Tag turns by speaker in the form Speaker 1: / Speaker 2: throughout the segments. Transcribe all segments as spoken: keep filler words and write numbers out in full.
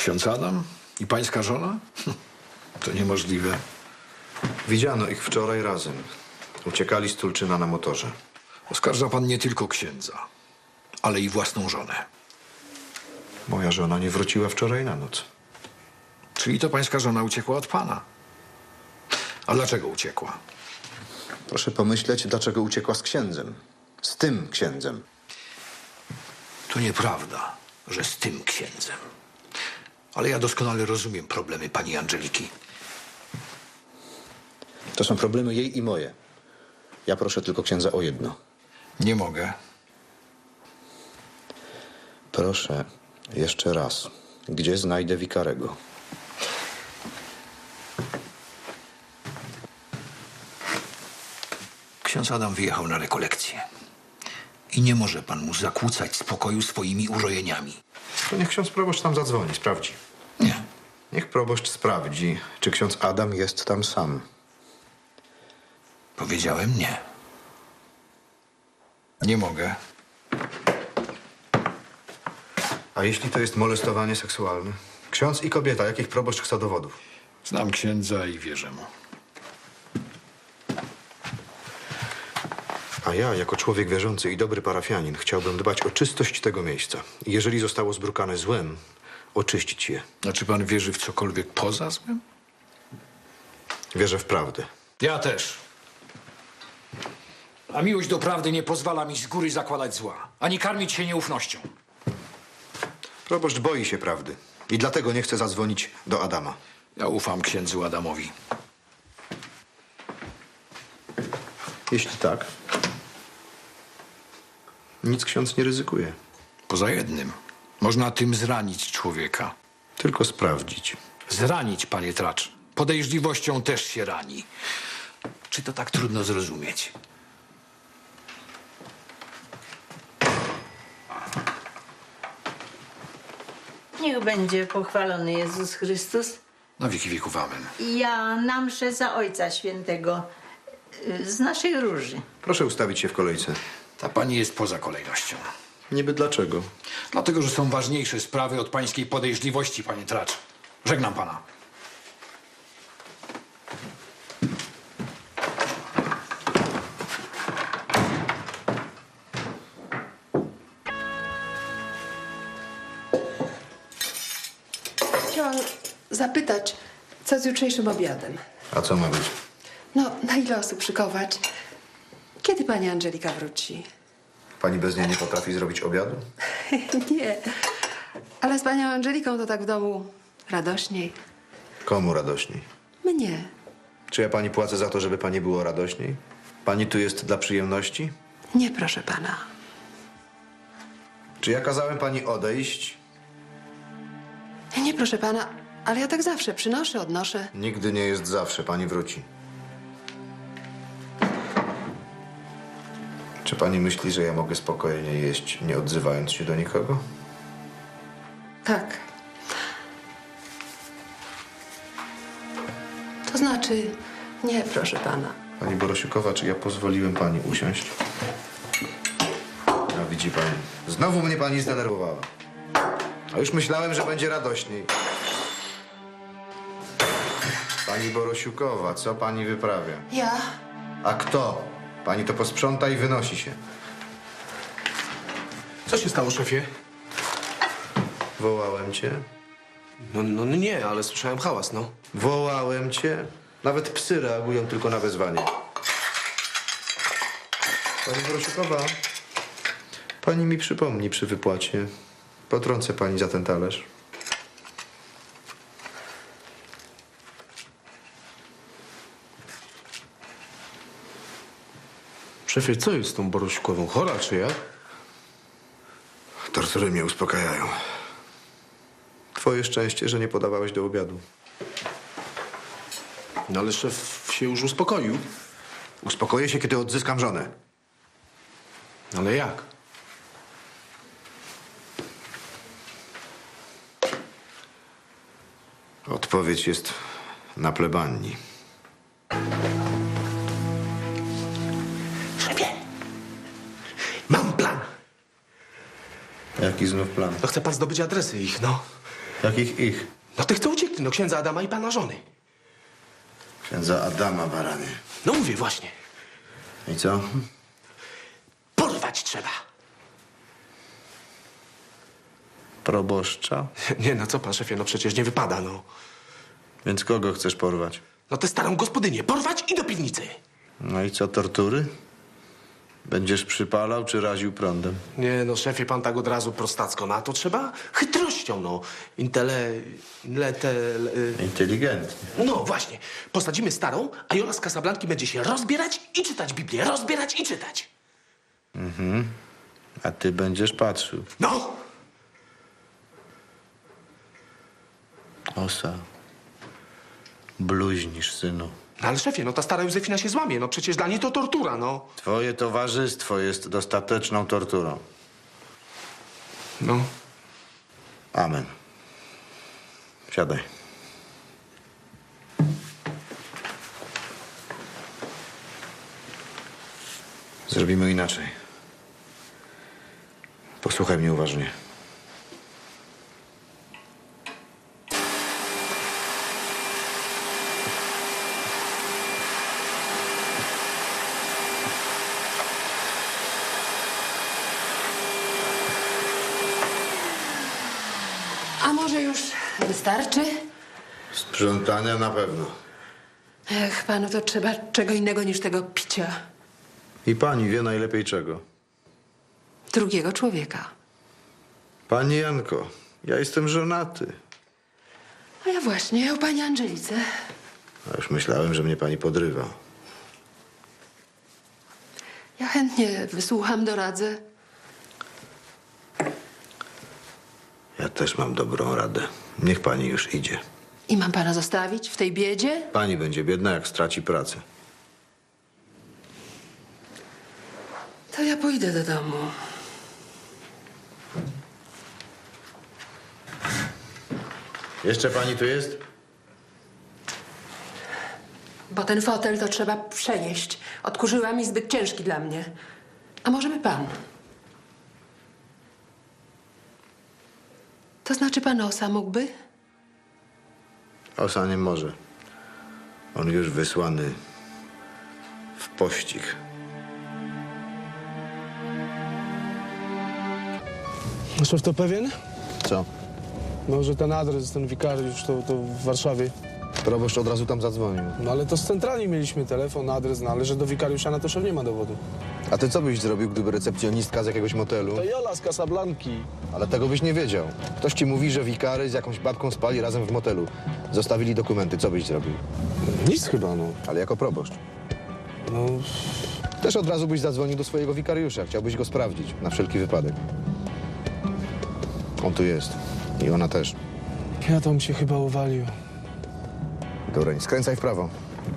Speaker 1: Ksiądz Adam i pańska żona? To niemożliwe.
Speaker 2: Widziano ich wczoraj razem. Uciekali z Tulczyna na motorze.
Speaker 1: Oskarża pan nie tylko księdza, ale i własną żonę.
Speaker 2: Moja żona nie wróciła wczoraj na noc.
Speaker 1: Czyli to pańska żona uciekła od pana. A dlaczego uciekła?
Speaker 2: Proszę pomyśleć, dlaczego uciekła z księdzem. Z tym księdzem.
Speaker 1: To nieprawda, że z tym księdzem. Ale ja doskonale rozumiem problemy pani Angeliki.
Speaker 2: To są problemy jej i moje. Ja proszę tylko księdza o jedno.
Speaker 1: Nie mogę.
Speaker 2: Proszę jeszcze raz. Gdzie znajdę wikarego?
Speaker 1: Ksiądz Adam wyjechał na rekolekcję. I nie może pan mu zakłócać spokoju swoimi urojeniami.
Speaker 2: To niech ksiądz proboszcz tam zadzwoni, sprawdzi.
Speaker 1: Nie.
Speaker 2: Niech proboszcz sprawdzi, czy ksiądz Adam jest tam sam.
Speaker 1: Powiedziałem nie. Nie mogę.
Speaker 2: A jeśli to jest molestowanie seksualne? Ksiądz i kobieta, jakich proboszcz chce dowodów?
Speaker 1: Znam księdza i wierzę mu.
Speaker 2: A ja, jako człowiek wierzący i dobry parafianin, chciałbym dbać o czystość tego miejsca. I jeżeli zostało zbrukane złem, oczyścić je.
Speaker 1: A czy pan wierzy w cokolwiek poza złem?
Speaker 2: Wierzę w prawdę.
Speaker 1: Ja też. A miłość do prawdy nie pozwala mi z góry zakładać zła, ani karmić się nieufnością.
Speaker 2: Proboszcz boi się prawdy i dlatego nie chce zadzwonić do Adama.
Speaker 1: Ja ufam księdzu Adamowi.
Speaker 2: Jeśli tak, nic ksiądz nie ryzykuje.
Speaker 1: Poza jednym. Można tym zranić człowieka.
Speaker 2: Tylko sprawdzić.
Speaker 1: Zranić, panie Tracz. Podejrzliwością też się rani. Czy to tak trudno zrozumieć?
Speaker 3: Niech będzie pochwalony Jezus Chrystus.
Speaker 1: Na wieki wieków amen.
Speaker 3: Ja na mszę za Ojca Świętego y, z naszej róży.
Speaker 2: Proszę ustawić się w kolejce.
Speaker 1: Ta pani jest poza kolejnością.
Speaker 2: Niby dlaczego?
Speaker 1: Dlatego, że są ważniejsze sprawy od pańskiej podejrzliwości, panie Tracz. Żegnam pana.
Speaker 4: Chciałam zapytać, co z jutrzejszym obiadem?
Speaker 2: A co ma być?
Speaker 4: No, na ile osób szykować? Kiedy pani Angelika wróci?
Speaker 2: Pani bez niej nie potrafi zrobić obiadu?
Speaker 4: Nie, ale z panią Angeliką to tak w domu radośniej.
Speaker 2: Komu radośniej?
Speaker 4: Mnie.
Speaker 2: Czy ja pani płacę za to, żeby pani było radośniej? Pani tu jest dla przyjemności?
Speaker 4: Nie, proszę pana.
Speaker 2: Czy ja kazałem pani odejść?
Speaker 4: Nie, nie, proszę pana, ale ja tak zawsze przynoszę, odnoszę.
Speaker 2: Nigdy nie jest zawsze. Pani wróci. Czy pani myśli, że ja mogę spokojnie jeść, nie odzywając się do nikogo?
Speaker 4: Tak. To znaczy, nie, proszę pana.
Speaker 2: Pani Borosiukowa, czy ja pozwoliłem pani usiąść? A widzi pani, znowu mnie pani zdenerwowała. A już myślałem, że będzie radośniej. Pani Borosiukowa, co pani wyprawia?
Speaker 4: Ja?
Speaker 2: A kto? Pani to posprząta i wynosi się.
Speaker 5: Co się stało, szefie?
Speaker 2: Wołałem cię.
Speaker 5: No, no nie, ale słyszałem hałas, no.
Speaker 2: Wołałem cię. Nawet psy reagują tylko na wezwanie. Pani Borosiukowa, pani mi przypomni przy wypłacie. Potrącę pani za ten talerz.
Speaker 5: Szefie, co jest z tą Borosiukową? Chora czy jak?
Speaker 2: Tortury mnie uspokajają. Twoje szczęście, że nie podawałeś do obiadu.
Speaker 5: No ale szef się już uspokoił.
Speaker 2: Uspokoję się, kiedy odzyskam żonę.
Speaker 5: Ale jak?
Speaker 2: Odpowiedź jest na plebanii.
Speaker 5: Szefie! Mam plan!
Speaker 2: Jaki znów plan?
Speaker 5: To chce pan zdobyć adresy ich, no.
Speaker 2: Jakich ich?
Speaker 5: No tych, co uciekli, no księdza Adama i pana żony.
Speaker 2: Księdza Adama, baranie.
Speaker 5: No mówię właśnie.
Speaker 2: I co?
Speaker 5: Porwać trzeba.
Speaker 2: Proboszcza?
Speaker 5: Nie, no co pan szefie, no przecież nie wypada, no.
Speaker 2: Więc kogo chcesz porwać?
Speaker 5: No tę starą gospodynię porwać i do piwnicy.
Speaker 2: No i co, tortury? Będziesz przypalał czy raził prądem?
Speaker 5: Nie, no szefie, pan tak od razu prostacko, no a to trzeba chytrością, no. Intele... Intele...
Speaker 2: Inteligentnie.
Speaker 5: No właśnie. Posadzimy starą, a Jola z Casablanki będzie się rozbierać i czytać Biblię. Rozbierać i czytać.
Speaker 2: A ty będziesz patrzył.
Speaker 5: No!
Speaker 2: Osa. Bluźnisz, synu.
Speaker 5: No ale szefie, no ta stara Józefina się złamie, no przecież dla niej to tortura, no.
Speaker 2: Twoje towarzystwo jest dostateczną torturą.
Speaker 5: No.
Speaker 2: Amen. Siadaj. Zrobimy inaczej. Posłuchaj mnie uważnie.
Speaker 4: A może już wystarczy?
Speaker 2: Sprzątania na pewno.
Speaker 4: Ech, panu to trzeba czego innego niż tego picia.
Speaker 2: I pani wie najlepiej czego.
Speaker 4: Drugiego człowieka.
Speaker 2: Pani Janko, ja jestem żonaty.
Speaker 4: A ja właśnie o pani Angelice.
Speaker 2: A już myślałem, że mnie pani podrywa.
Speaker 4: Ja chętnie wysłucham, doradzę.
Speaker 2: Ja też mam dobrą radę. Niech pani już idzie.
Speaker 4: I mam pana zostawić w tej biedzie?
Speaker 2: Pani będzie biedna, jak straci pracę.
Speaker 4: To ja pójdę do domu.
Speaker 2: Jeszcze pani tu jest?
Speaker 4: Bo ten fotel to trzeba przenieść. Odkurzyłam i zbyt ciężki dla mnie. A może by pan? To znaczy pan Osa mógłby?
Speaker 2: Osa nie może. On już wysłany w pościg.
Speaker 5: Szef to pewien?
Speaker 2: Co?
Speaker 5: No, że ten adres, ten wikariusz to, to w Warszawie.
Speaker 2: Proboszcz od razu tam zadzwonił.
Speaker 5: No ale to z centrali mieliśmy telefon, adres, no ale że do wikariusza na to szef nie ma dowodu.
Speaker 2: A ty co byś zrobił, gdyby recepcjonistka z jakiegoś motelu?
Speaker 5: To Jola z Casablanki.
Speaker 2: Ale tego byś nie wiedział. Ktoś ci mówi, że wikary z jakąś babką spali razem w motelu. Zostawili dokumenty. Co byś zrobił?
Speaker 5: Nic chyba, no.
Speaker 2: Ale jako proboszcz.
Speaker 5: No,
Speaker 2: Też od razu byś zadzwonił do swojego wikariusza. Chciałbyś go sprawdzić, na wszelki wypadek. On tu jest. I ona też.
Speaker 5: ja to mi się chyba uwalił.
Speaker 2: Dureń, skręcaj w prawo.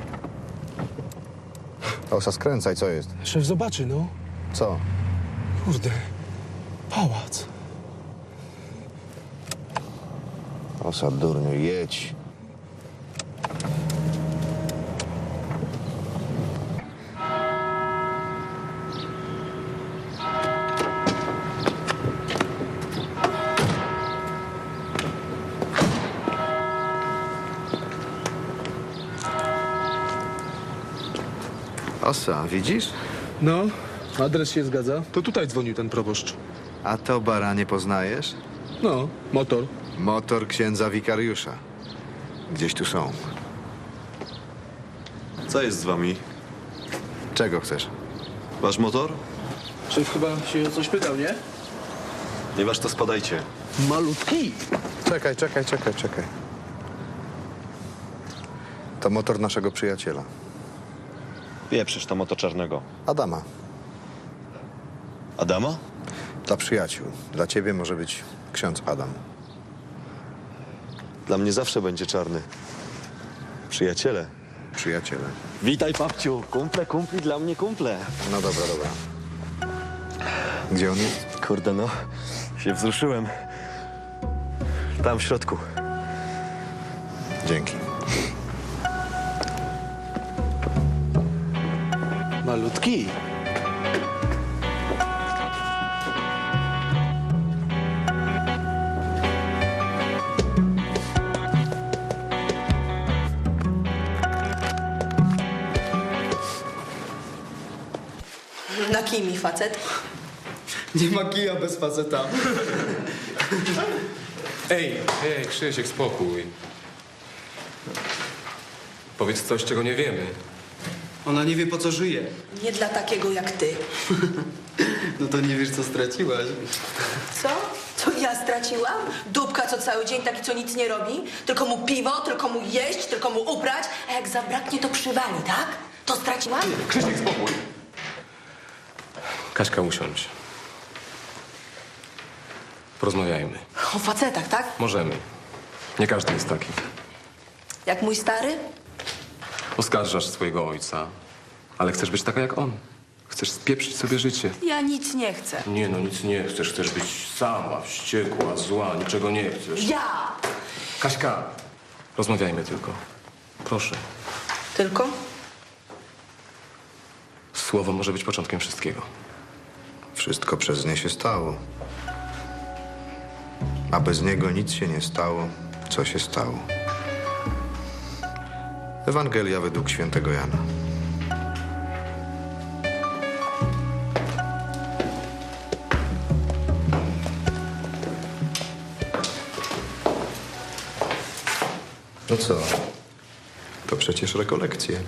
Speaker 2: Osa, skręcaj, co jest?
Speaker 5: Szef zobaczy, no.
Speaker 2: Co?
Speaker 5: Kurde. Pałac.
Speaker 2: Osa, durniu, jedź. Osa, widzisz?
Speaker 5: No, adres się zgadza. To tutaj dzwonił ten proboszcz.
Speaker 2: A to baranie poznajesz?
Speaker 5: No, motor.
Speaker 2: Motor księdza wikariusza. Gdzieś tu są.
Speaker 6: Co jest z wami?
Speaker 2: Czego chcesz?
Speaker 6: Wasz motor?
Speaker 5: Szef chyba się o coś pytał, nie?
Speaker 6: Nie wasz, to spadajcie.
Speaker 5: Malutki.
Speaker 2: Czekaj, czekaj, czekaj, czekaj. To motor naszego przyjaciela.
Speaker 6: Pieprzysz to moto czarnego.
Speaker 2: Adama.
Speaker 6: Adama?
Speaker 2: Dla przyjaciół. Dla ciebie może być ksiądz Adam.
Speaker 6: Dla mnie zawsze będzie czarny. Przyjaciele.
Speaker 2: Przyjaciele.
Speaker 6: Witaj, papciu. Kumple, kumpli, dla mnie kumple.
Speaker 2: No dobra, dobra. Gdzie on jest?
Speaker 6: Kurde, no. Się wzruszyłem. Tam w środku.
Speaker 2: Dzięki.
Speaker 5: Malutki.
Speaker 7: Na kimi facet?
Speaker 8: Nie ma kija bez faceta.
Speaker 9: Ej, ej, Krzysiek, spokój. Powiedz coś, czego nie wiemy.
Speaker 8: Ona nie wie, po co żyje.
Speaker 7: Nie dla takiego jak ty.
Speaker 8: No to nie wiesz, co straciłaś.
Speaker 7: Co? Co ja straciłam? Dupka co cały dzień, taki co nic nie robi? Tylko mu piwo, tylko mu jeść, tylko mu ubrać, a jak zabraknie, to przywali, tak? To straciłam?
Speaker 9: Krzysiek, spokój. Kaśka, usiądź. Porozmawiajmy.
Speaker 7: O facetach, tak?
Speaker 9: Możemy. Nie każdy jest taki.
Speaker 7: Jak mój stary?
Speaker 9: Oskarżasz swojego ojca, ale chcesz być taka jak on. Chcesz spieprzyć sobie życie.
Speaker 7: Ja nic nie chcę.
Speaker 9: Nie no, nic nie chcesz. Chcesz być sama, wściekła, zła, niczego nie chcesz.
Speaker 7: Ja!
Speaker 9: Kaśka, rozmawiajmy tylko. Proszę.
Speaker 7: Tylko?
Speaker 9: Słowo może być początkiem wszystkiego.
Speaker 2: Wszystko przez nie się stało. A bez niego nic się nie stało, co się stało. Ewangelia według świętego Jana. No co? To przecież rekolekcje.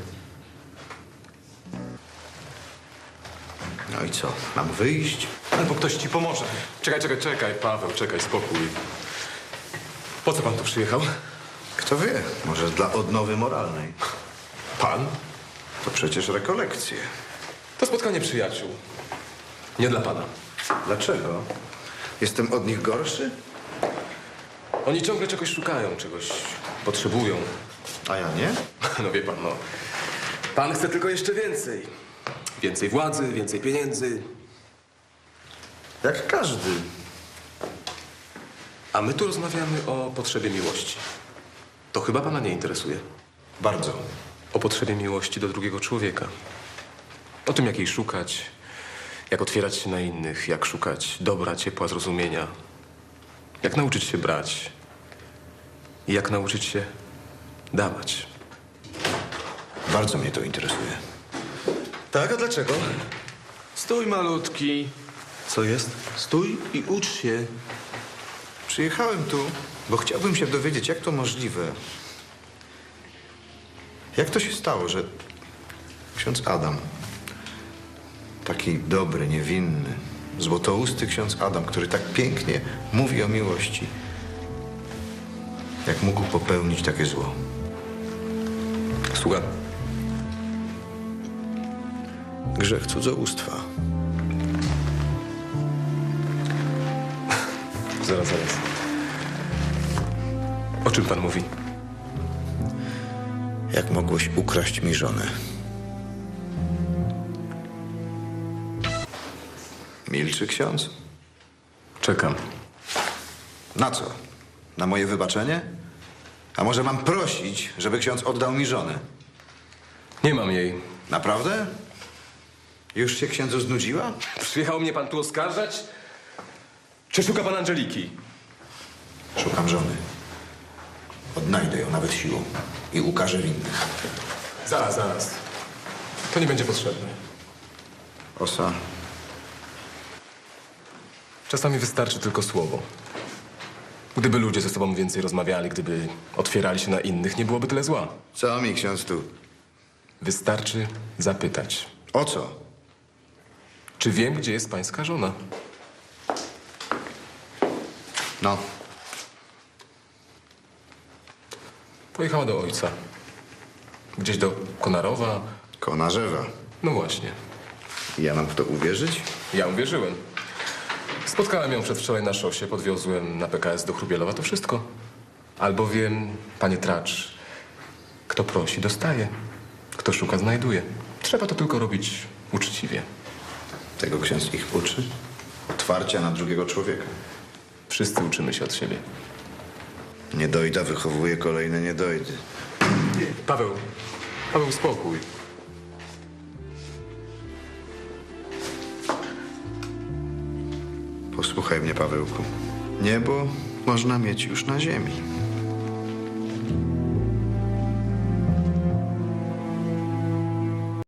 Speaker 2: No i co? Mam wyjść?
Speaker 9: Albo ktoś ci pomoże. Czekaj, czekaj, czekaj, Paweł, czekaj, spokój. Po co pan tu przyjechał?
Speaker 2: Kto wie, może dla odnowy moralnej.
Speaker 9: Pan?
Speaker 2: To przecież rekolekcje.
Speaker 9: To spotkanie przyjaciół. Nie dla pana.
Speaker 2: Dlaczego? Jestem od nich gorszy?
Speaker 9: Oni ciągle czegoś szukają, czegoś potrzebują.
Speaker 2: A ja nie?
Speaker 9: No wie pan, no. Pan chce tylko jeszcze więcej. Więcej władzy, więcej pieniędzy.
Speaker 2: Jak każdy.
Speaker 9: A my tu rozmawiamy o potrzebie miłości. To chyba pana nie interesuje.
Speaker 2: Bardzo.
Speaker 9: O potrzebie miłości do drugiego człowieka. O tym, jak jej szukać, jak otwierać się na innych, jak szukać dobra, ciepła, zrozumienia. Jak nauczyć się brać i jak nauczyć się dawać.
Speaker 2: Bardzo mnie to interesuje.
Speaker 5: Tak, a dlaczego? Stój, malutki.
Speaker 2: Co jest?
Speaker 5: Stój i ucz się.
Speaker 2: Przyjechałem tu, bo chciałbym się dowiedzieć, jak to możliwe. Jak to się stało, że ksiądz Adam, taki dobry, niewinny, złotousty ksiądz Adam, który tak pięknie mówi o miłości, jak mógł popełnić takie zło?
Speaker 9: Słucham.
Speaker 2: Grzech cudzołóstwa.
Speaker 9: Zaraz, zaraz. O czym pan mówi?
Speaker 2: Jak mogłeś ukraść mi żonę? Milczy ksiądz?
Speaker 9: Czekam.
Speaker 2: Na co? Na moje wybaczenie? A może mam prosić, żeby ksiądz oddał mi żonę?
Speaker 9: Nie mam jej.
Speaker 2: Naprawdę? Już się księdzu znudziła?
Speaker 9: Przyjechał mnie pan tu oskarżać? Czy szuka pan Angeliki?
Speaker 2: Szukam żony. Odnajdę ją nawet siłą i ukażę winnych.
Speaker 9: Zaraz, zaraz. To nie będzie potrzebne.
Speaker 2: Osa,
Speaker 9: Czasami wystarczy tylko słowo. Gdyby ludzie ze sobą więcej rozmawiali, gdyby otwierali się na innych, nie byłoby tyle zła.
Speaker 2: co mi ksiądz tu?
Speaker 9: Wystarczy zapytać.
Speaker 2: O co?
Speaker 9: Czy wiem, gdzie jest pańska żona?
Speaker 2: No,
Speaker 9: Pojechała do ojca. Gdzieś do Konarowa.
Speaker 2: Konarzewa.
Speaker 9: No właśnie.
Speaker 2: Ja mam w to uwierzyć?
Speaker 9: Ja uwierzyłem. Spotkałem ją przedwczoraj na szosie, podwiozłem na P K S do Chrubielowa, to wszystko. Albowiem, panie Tracz, kto prosi, dostaje. Kto szuka, znajduje. Trzeba to tylko robić uczciwie.
Speaker 2: Tego ksiądz ich uczy? Otwarcia na drugiego człowieka.
Speaker 9: Wszyscy uczymy się od siebie.
Speaker 2: Niedojda wychowuje kolejne niedojdy.
Speaker 9: Paweł, Paweł, spokój.
Speaker 2: Posłuchaj mnie, Pawełku. Niebo można mieć już na ziemi.